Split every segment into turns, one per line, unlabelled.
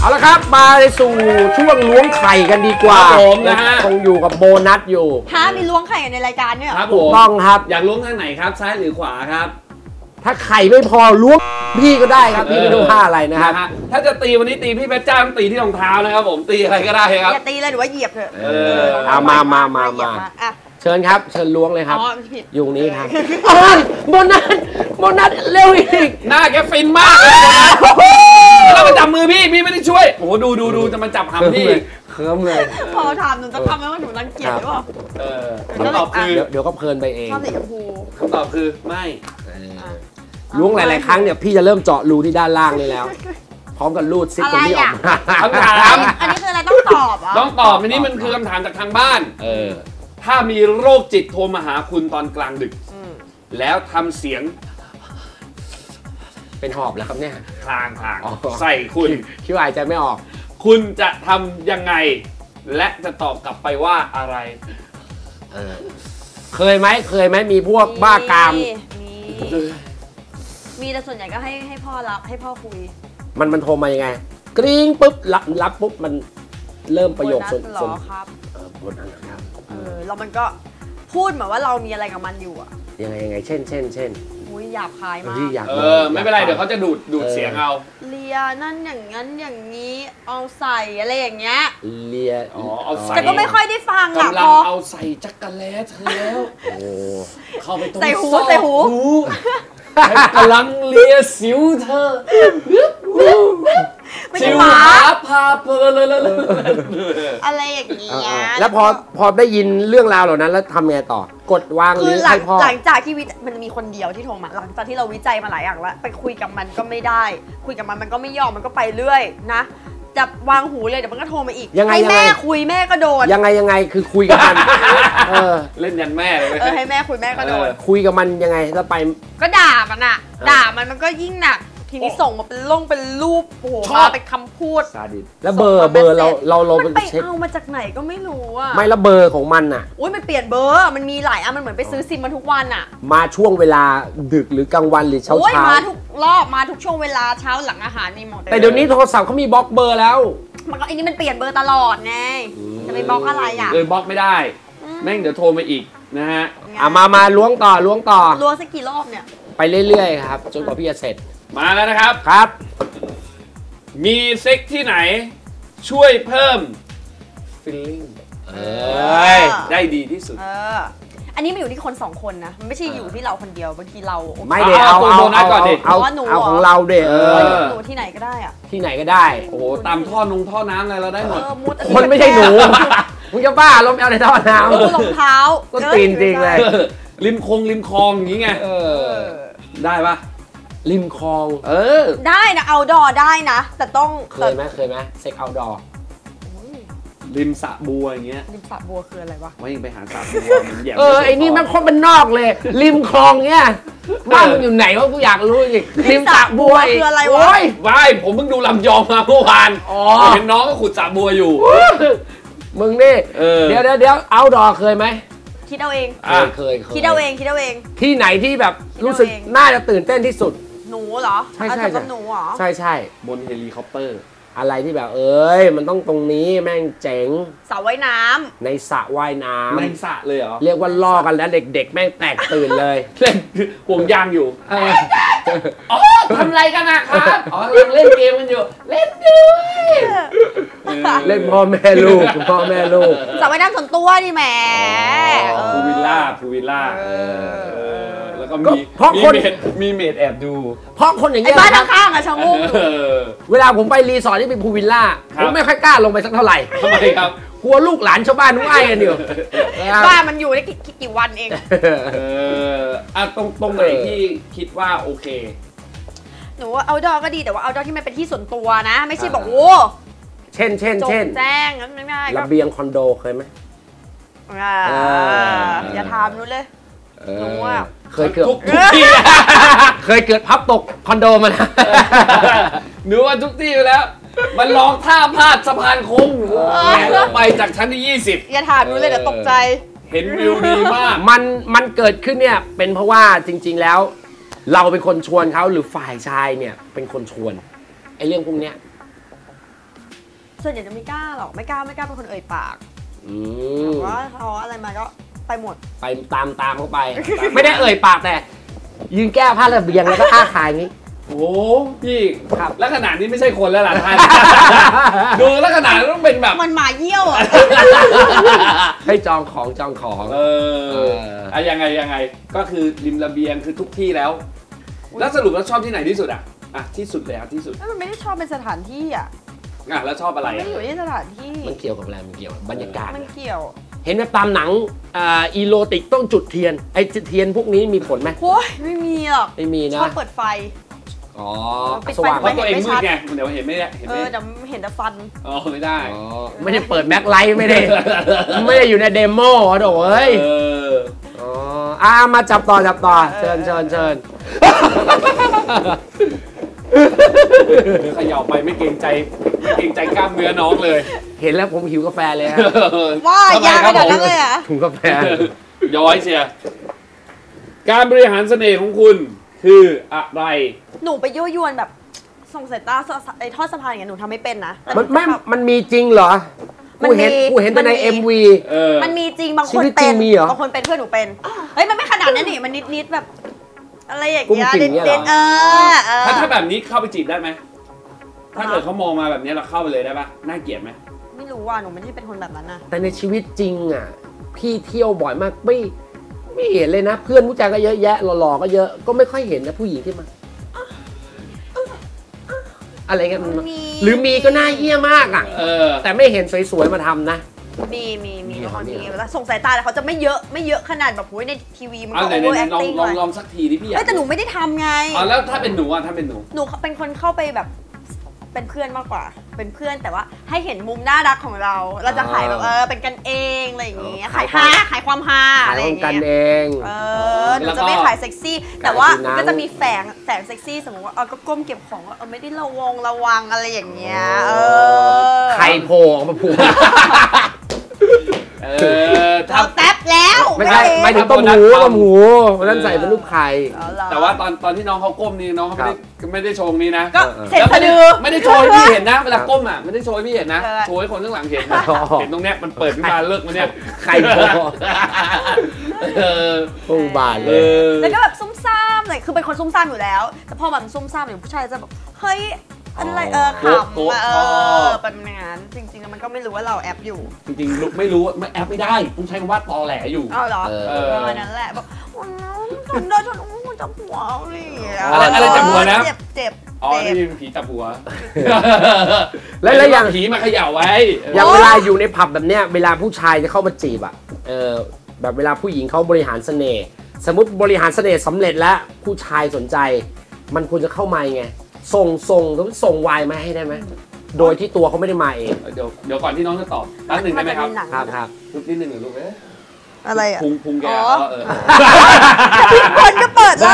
เอาละครับมาสู่ช่วงล้วงไข่กันดีกว่า
ผมนะฮะ
คงอยู่กับโบนัสอยู่
มีล้วงไข่ในรายการเนี่ย
ครับ
ถูกต้องครับ
อยากล้วงทางไหนครับซ้ายหรือขวาครับ
ถ้าไข่ไม่พอล้วงพี่ก็ได้ครับพี่ไม่ต้องผ้าอะไรนะครับ
ถ้าจะตีวันนี้ตีพี่เพชรจ้าต้องตีที่รองเท้านะครับผมตีอะไรก็ได้ครับ
อย่าตีเลยหรือว่าเหยียบเถอะ
เอามาเชิญครับเชิญล้วงเลยครับอยู่นี้ครับโบนัสเร็วอีก
หน้าแกฟินมากเลยแล้วมาจับมือพี่ไม่ได้ช่วยโอ้โหดูจะมาจับหำพี่
เคิร์มเลย
พอถามหนูจะทำแล้วว่าหนูรังเกียจหรือเปล่า
คำตอบคือ
เดี๋ยวก็เพลินไปเอง
ชอบสีชมพู
คำตอบคือไม่
ล้วงหลายๆครั้งเนี่ยพี่จะเริ่มเจาะรูที่ด้านล่างนี่แล้วพร้อมกับรูดซิปคนที่ออก
คำถาม
อันนี้คืออะไรต้องตอบอ่ะ
ต้องตอบอันนี้มันคือคำถามจากทางบ้านถ้ามีโรคจิตโทรมาหาคุณตอนกลางดึกแล้วทำเสียง
เป็นหอบแล้วครับเนี่ย
คลางใส่คุณ
คิดว่าหายใจไม่ออก
คุณจะทำยังไงและจะตอบกลับไปว่าอะไร
เคยไหมมีพวกบ้ากาม
มีแต่ส่วนใหญ่ก็ให้พ่อรับให้พ่อคุย
มันโทรมายังไงกริ๊งปุ๊บรับปุ๊บมันเริ่มประโยคส่วน
ครับ
บนนั้นครับ
แล้วมันก็พูดเหมือนว่าเรามีอะไรกับมันอยู่อะ
ยังไงเช่น
อุ้ยหยาบคายมาก
ไม่เป็นไรเดี๋ยวเขาจะดูดเสียงเอา
เลียนั่นอย่างนั้นอย่างนี้เอาใส่อะไรอย่างเงี้ย
เลีย
เอาใส่
แต่ก็ไม่ค่อยได้ฟังอะ
กำลังเอาใส่จักรแล้เธอแล้วเข้าไปตรง
ใส่หู
กำลังเลียสิวเธอสิวหาพาเพลิน
อะไรอย่างเงี้ย
แล้วพอได้ยินเรื่องราวเหล่านั้นแล้วทำไงต่อกดวางหรือให้พ่อ
หลังจากที่มันมีคนเดียวที่โทรมาหลังจากที่เราวิจัยมาหลายอย่างแล้วไปคุยกับมันก็ไม่ได้คุยกับมันก็ไม่ยอมมันก็ไปเรื่อยนะจะวางหูเลยเดี๋ยวมันก็โทรมาอีกให้แม่คุยแม่ก็โดน
ยังไงคือคุยกับมัน
เล่นยันแม่เลย
ให้แม่คุยแม่ก็โดน
คุยกับมันยังไงแล้วไป
ก็ด่ามันอะด่ามันก็ยิ่งหนักทีนี้ส่งมาเป็นรูปโอ้โหมาเป็นคำพูด
ซาดิสแล้วเบอร์เรา
ไปเอามาจากไหนก็ไม่รู้อะ
ไม่แล้วเบอร์ของมันอะ
อุ้ยมันเปลี่ยนเบอร์มันมีหลายอันมันเหมือนไปซื้อซิมมาทุกวันอะ
มาช่วงเวลาดึกหรือกลางวันหรือเช้า
มาทุกรอบมาทุกช่วงเวลาเช้าหลังอาหารมีหมด
แต่เดี๋ยวนี้โทรศัพท์เขามีบล็อกเบอร์แล้ว
มันก็อันนี้มันเปลี่ยนเบอร์ตลอดไงจะไปบล็อกอะไรอะ
บล็อกไม่ได้แม่งเดี๋ยวโทรมาอีกนะฮะ
มาล้วงต่อ
ล้วงสักกี่รอบเนี่ย
ไปเรื่อยๆครับจนกว่าพี่จะเสร็จ
มาแล้วนะครับ
ครับ
มีเซ็กที่ไหนช่วยเพิ่ม feeling ได้ดีที่สุด
อันนี้มันอยู่ที่คน2คนนะมันไม่ใช่อยู่ที่เราคนเดียวบางทีเรา
ไม่เดี๋ยวเอาของเราเดี๋ยว
หนูที่ไหนก็ได้อะ
ที่ไหนก็ได้
โอ้โหตามท่อน้ำอะไรเราได้หมด
คนไม่ใช่หนูมึงจะบ้าลมเอาในท่อน้ำ
รองเท้า
ก็ตีนจริงเลย
ริมคลองอย่างงี้ไงได้ปะ
ริมคลอง
ได้นะเอาดอได้นะแต่ต้อง
เคยไหมเซ็กเอาดอ
ริมสระบัวอย่างเงี้ย
ริมสระบัวคืออะไรวะ
ว่ายังไปหาสระบัว
ไอ้นี่มันคนเป็นนอกเลยริมคลองเงี้ยบ้านมันอยู่ไหนวะกูอยากรู้จริงริมสระบัว
คืออะไรวะ
ว่ายผมเพิ่งดูลำยองมาเมื่อวานเห็นน้องก็ขุดสระบัวอยู่
มึงนี่เดี๋ยวเอาดอเคยไหม
คิดเอาเอง
เคย
คิดเอาเอง
ที่ไหนที่แบบรู้สึกน่าจะตื่นเต้นที่สุด
หนูเหรอ
ใช่
หนูเหรอ
ใช่
บนเฮลิคอปเตอร์
อะไรที่แบบมันต้องตรงนี้แม่งเจ๋ง
สระว่ายน้
ำในสระว่ายน้ำ
ในสระเลยเหรอ
เรียกว่าล่อกันแล้วเด็กๆแม่งแตกตื่นเลย
เล่นห่วงยางอยู่ทำอะไรกันนะครับเล่นเกมกันอยู่เล่นด้วย
เล่นพ่อแม่ลูก
สระว่ายน้ำส่วนตัวดิแหม
พูวิลล่าแล้วก็มีเมดแอบดู
เพราะคนอย่างนี้
บ้านข้างๆอะชะงู
เวลาผมไปรีสอร์ทที่เป็นพูวิลล่าผมไม่ค่อยกล้าลงไปสักเท่าไหร่
ทำไมครับ
กลัวลูกหลานชาวบ้านนุ่งไอ้กันอยู่
บ้านมันอยู่ได้กี่วันเอง
ตรงไหนที่คิดว่าโอเค
หนูว่าเอาดอก็ดีแต่ว่าเอาดอที่มันเป็นที่ส่วนตัวนะไม่ใช่บอกโอ้
เช่น
แจ้งงั้นง่าย
ๆระเบียงคอนโดเคยไหม
อย่าถามนู้นเลยหนูว่า
เคยเกิดทุกที่เคยเกิดพับตกคอนโดมานะ
หนูว่าทุกที่ไปแล้วมันลองท่าพลาดสะพานโค้งไปจากชั้นที่20
อย่าถามนู้นเลยเดี๋ยวตกใจ
เห็นวิวดีมาก
มันเกิดขึ้นเนี่ยเป็นเพราะว่าจริงๆแล้วเราเป็นคนชวนเขาหรือฝ่ายชายเนี่ยเป็นคนชวนไอ้เรื่องพวกเนี้ย
ส่วนใหญ่จะไม่กล้าหรอกไม่กล้าเป็นคนเอ่ยปาก
ม
ว่าเขาอะไรมาก็ไปหมด
ไปตามเข้าไป ไม่ได้เอ่ยปากแต่ ยืนแก้ผ้าระเบียงแล้วก็อ้าขายอย่างนี้
โอ้พี่
ครับ
แล้วขนาดนี้ไม่ใช่คนแล้วล่ะท่าน ดูแล้วขนาดต้องเป็นแบบ
มันหมาเยี่ยวอ่ะ
ให้จองของ
อะยังไงก็คือริมระเบียงคือทุกที่แล้ว แล้วสรุปแล้วชอบที่ไหนที่สุดอ่ะที่สุดเลยที่สุด
มันไม่ได้ชอบเป็นสถานที่อ่ะ
แล้วชอบอะไร
ไม่ได้อยู่ที่สถานที่
มันเกี่ยวกับอะไรมันเกี่ยวกับบรรยากาศ
มันเกี่ยว
เห็นไหมตามหนังอีโรติกต้องจุดเทียนไอ้เทียนพวกนี้มีผลไหม
โอ้ยไม่มีหรอก
ไม่มี
ช
นะ
อบเปิดไฟ
อ๋อ
ปิดไฟ
สว่าง
เพราะตัวเองมืดไงเดี๋ยวเห็นไม่ได้
แต่เห็นแต่ฟัน
ไม่ได้
อ๋อไม่ได้เปิดแบ็คไลท์ไม่ได้ ไม่ได้อยู่ในเดโมโถ่เอ้ยอ๋อมาจับต่อเชิญ
เขย่าไปไม่เกรงใจกล้ามเนื้อน้องเลย
เห็นแล้วผมหิวกาแฟเลยฮะ
ว่ายากขนาดนั้นเลยอ่ะ
ถุงกาแฟ
ย้อยเชียร์การบริหารเสน่ห์ของคุณคืออะไร
หนูไปยั่วยวนแบบส่งสายตาไอ้ทอดสะพานอย่างเงี้ยหนูทำไม่เป็นนะแต่
มันมีจริงเหรอ กูเห็นแต่ใน MV
มันมีจริงบางคน
ชีวิตจริ
เป็
ง
น
มีเหรอ
บางคนเป็นเพื่อนหนูเป็นเฮ้ยมันไม่ขนาดนั้นนี่มันนิดแบบ อะไรอย่างเงี้ย
กุ้งกิ่งเนี่ยเหรอ
ถ้าแบบนี้เข้าไปจีบได้ไหมถ้าเกิดเขามองมาแบบนี้เราเข้าไปเลยได้ปะน่าเกลียดไหม
ไม่รู้ว่าหนูไม่ได้เป็นคนแบบนั้นนะ
แต่ในชีวิตจริงอ่ะพี่เที่ยวบ่อยมากไม่เห็นเลยนะ เพื่อนผู้ชายก็เยอะแยะหล่อๆก็เยอะก็ไม่ค่อยเห็นนะผู้หญิงที่มาอะไรกันหรือมีก็น่าเหี้ยมากอ่ะแต่ไม่เห็นสวยๆมาทำนะ
มีบางคนมีแล้วส่งสายตาแต่เขาจะไม่เยอะขนาดแบบโอ้ยในทีวีมันก็โอเวอร์แอคติ้งเลย
ลองสักทีดิพี่อยาก
แต่หนูไม่ได้ทำไง
แล้วถ้าเป็นหนูถ้าเป็นหนู
หนูเป็นคนเข้าไปแบบเป็นเพื่อนมากกว่า เป็นเพื่อนแต่ว่าให้เห็นมุมน่ารักของเรา เราจะขายแบบเป็นกันเองอะไรอย่างเงี้ยขายความฮา
ขา
อะ
ย
ไรอ
ขอย่าง
ง
กัน
เงี้ย
เอง
หนูจะไม่ขายเซ็กซี่ แต่ว่าก็จะมีแฝงเซ็กซี่สมมติว่าก็ก้มเก็บของว่าไม่ได้ระวังอะไรอย่างเงี้ย
ไข่โผล่ออกมาผูก
เราแท็บแล้ว
ไม่ใช่ไม่ถึงต้มหูวันนั้นใส่เป็นรูปไข่
แต่ว่าตอนที่น้องเขาก้มนี่น้องเขาไม่ได้โชว์นี้นะ
ก็เสร็จสะดือ
ไม่ได้โชว์ให้พี่เห็นนะเวลาก้มไม่ได้โชว์ให้พี่เห็นนะโชว์ให้คนข้างหลังเห็นเห็นตรงเนี้ยมันเปิดขึ้นมาเลิกมันเนี้ย
ไข่โผล่โอ้บาทเลย
แล้วก็แบบซุ่มซ่ามเลยคือเป็นคนซุ่มซ่ามอยู่แล้วแต่พอแบบซุ่มซ่ามอยู่ผู้ชายจะแบบเฮ้ยอะไรขำเป็นงานจริงๆมันก็ไม่รู้ว่าเราแอบอยู่
จริงๆไม่รู้ไม่แอบไม่ได้ต้องใช้คำว่าตอแหลอยู่
เหรอประมาณนั้นแหละแบบฉันได้ฉันจับหัว
อะไรจับหัวนะ
เจ็บ
นี่ผีจับหัว
แล้วอย่าง
ผีมาเขย่าไว้
อย่างเวลาอยู่ในผับแบบเนี้ยเวลาผู้ชายจะเข้ามาจีบอ่ะแบบเวลาผู้หญิงเขาบริหารเสน่ห์สมมติบริหารเสน่ห์สำเร็จแล้วผู้ชายสนใจมันควรจะเข้ามาไงส่งวายมาให้ได้ไหมโดยที่ตัวเขาไม่ได้มาเอง
เดี๋ยวก่อนที่น้องจะตอบแป๊บหนึ่งได้ไหมครับ
ครับ
ลูกนิดหนึ่งหรือลูก
อะไรอ่ะ
พุงแก
พี่คนก็เปิดแล้ว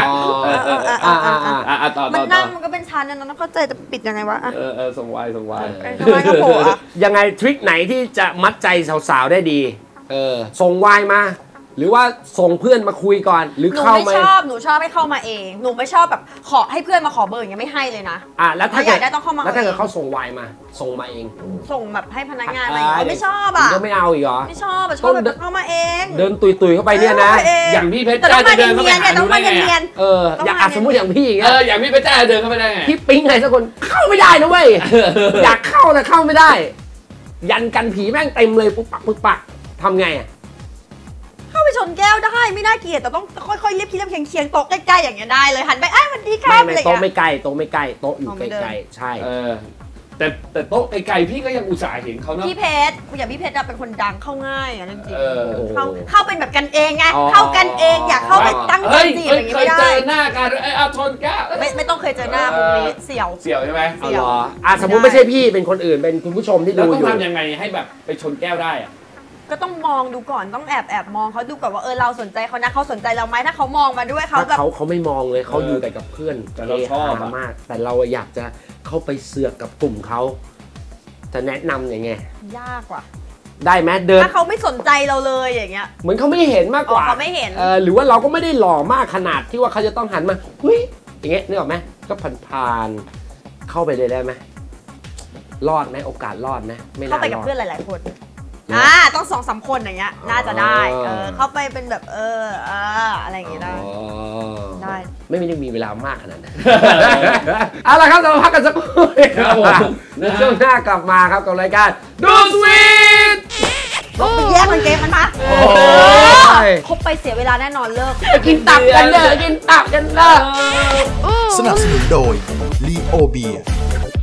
ต่อ
มันนั่งมันก็เป็นชั้นนะน้องเข้าใจจะปิดยังไงวะ
ส่งวาย
ก็โผล่
ยังไงทริคไหนที่จะมัดใจสาวๆได้ดีส่งวายมาหรือว่าส่งเพื่อนมาคุยก่อนหรือเข้ามา
หนูชอบให้เข้ามาเองหนูไม่ชอบแบบขอให้เพื่อนมาขอเบอร์อย่างเงี้ยไม่ให้เลยนะ
แล้วถ้าเกิด
ต้องเข้ามา
แล้วถ้าเกิดเขาส่งวายมาส่งมาเอง
ส่งแบบให้พนักงานอะไรไม่ชอบอ่ะ
ก็ไม่เอาอีกเหรอ
ไม่ชอบชอบแบบเข้ามาเอง
เดินตุยเข้าไปเนี่ยนะ
อย่างพี่เพชรจ้าจะเดินเข้าไปหาหนูได้ไง
อยากสมมติอย่างพี่อย่างเงี้ย
อย่างพี่เพชรจ้าเดินเข้าไปได้ไง
พี่ปิ๊งใครสักคนเข้าไม่ได้นะเว้ยอยากเข้าแต่เข้าไม่ได้ยันกันผีแม่งเต็มเลยปุ๊บปักทำไง
เข้าไปชนแก้วได้ไม่น่าเกลียดแต่ต้องค่อยๆเรียบเคียงโต๊ะใกล้ๆอย่างเงี้ยได้เลยหันไปมันดีครับ
โต๊ะไม่ไกลโต๊ะอยู่ใกล้ๆใช่
แต่โต๊ะไกลๆพี่ก็ยังอุตส่าห์เห็นเขาเนาะ
พี่เพชรอย่างพี่เพชรเป็นคนดังเข้าง่ายอ่ะจริงๆเข้าเป็นแบบกันเองไงเข้ากันเองอยากเข้าไปตั้งใจจีบอย่างงี้ไม่ได้
เคยเจอหน้ากันชนแก้ว
ไม่ต้องเคยเจอหน้าพวกนี้เสี่ยว
ใช่ไหม
เสี่ยว
สมมติไม่ใช่พี่เป็นคนอื่นเป็นคุณผู้ชมที่ดูอยู่
ต้องทำยังไงให้แบบไปชนแก้วได้อะ
ก็ต้องมองดูก่อนต้องแอบมองเขาดูก่อนว่าเราสนใจเขานะเขาสนใจเราไหมถ้าเขามองมาด้วยเขาแบบ
เขาไม่มองเลยเขาอยู่แต่กับเพื่อน
แต่เราชอบ
มากแต่เราอยากจะเข้าไปเสือกกับกลุ่มเขาจะแนะนำยังไง
ยากว่ะ
ได้ไหมเดิน
ถ้าเขาไม่สนใจเราเลยอย่างเงี้ย
เหมือนเขาไม่เห็นมากกว่า
เขาไม่เห็น
หรือว่าเราก็ไม่ได้หล่อมากขนาดที่ว่าเขาจะต้องหันมาเฮ้ยอย่างเงี้ยนึกออกไหมก็ผ่านเข้าไปเลยได้ไหมรอดไหมโอกาสรอดไหมไม่น่า
เข้าไปกับ
รอด
เพื่อนหลายๆคน
เนอะ
ต้อง2-3 คนอย่างเงี้ยน่าจะได้ เข้าไปเป็นแบบอะไรอย่างเงี้ยได้ ได้
ไม่ได้มีเวลามากขนาดนั้น เอาละครับเราพักกันสักครู่
ครับผม
แล้วช่วงหน้ากลับมาครับกับรายการดูสวีท
ไปแยกมันเกมมันมา
โอ้ย
คบไปเสียเวลาแน่นอนเลิก
ไปกินตับกันเด้อกินตับกันเด้อ
สนับสนุนโดย Leo Beer